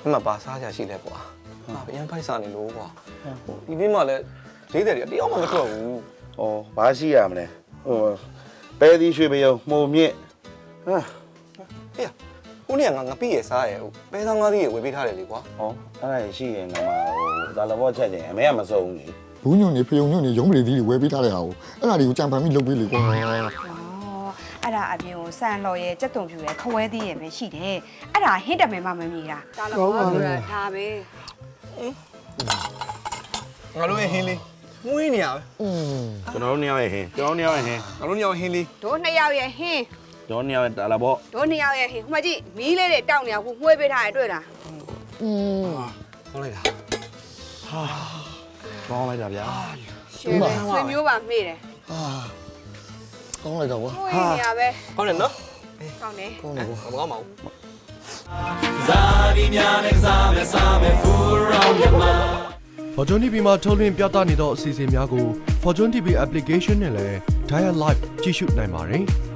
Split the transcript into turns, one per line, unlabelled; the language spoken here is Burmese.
မှပါစားကြရှိလဲကွာဟာအရင်ဖိုက်စားနေလို့ကွာဒီနေ့မှလည်းဈေးတယ်တယောက်မှမထွက်ဘူး
။အော်ဘာရှိရမလဲ။ပဲသီးရွှေပြုံမှုံမြင့်ဟာ
ဟေးဟိုနေ့ငါပြည့်ရစားရဲ့ပဲစားငါးသီးရဝယ်ပေးထားတယ်လေကွာ
။အော်အဲ့ဒါရှိရင်ငါဒါလဘောချက်ချင်းအမေကမစုံဘူးလေ
ဘူးညွန့်နေဖယုံညွန့်နေရုံးပရိသီးတွေဝယ်ပေးထားတဲ့ဟာကိုအဲ့ဒါတွေကိုကြံဖန်ပြီးလုပ်ပေးလေကွာ
အဲ့ဒါအပြင်ကိုစံလော်ရဲ့ကြက်တုံဖြူရဲ့ခဝဲသေးရဲ့ပဲရှိတယ်အဲ့ဒါဟင်းတမဲမှမမြည်တာဒါလည်းဘာဆိုတာဒါပဲ
ငါတို့ရဲ့ဟင်းလေးမွေးနေရပဲ
။ကျွန်တော်တို့နှစ်ယောက်ရဲ့ဟင်းကျွန်တော်တို့နှစ်ယောက်ရဲ့ဟင်း
ငါတို့ညောင်ဟင်းလေး
တို့နှစ်ယောက်ရဲ့ဟင်း
ကျွန်တော်နှစ်ယောက်ရဲ့ဒါလဘော
တို့နှစ်ယောက်ရဲ့ဟင်းဟိုမကြည့်မီးလေးတွေတောက်နေအောင်ကိုမှွေးပေးထားရတွေ့လား
ခေါင်းလိုက်တာ
ကောင်းလိုက်တာဗျာ
ရှင်ဆွေမျိုးပါမေ့တယ်
အာကောင်းလိုက်တော့ကွာ
မှွေးနေရပဲ
ခေါင်းတယ်နော်
ကောင်းတယ်
ကောင်းတယ်ကွာ
မကောင်းပါဘူး
Fortune TV မှာထုတ်လွှင့်ပြသနေသောအစီအစဉ်များကို Fortune TV application နဲ့လည်း Dial Live ကြည့်ရှုနိုင်ပါတယ်။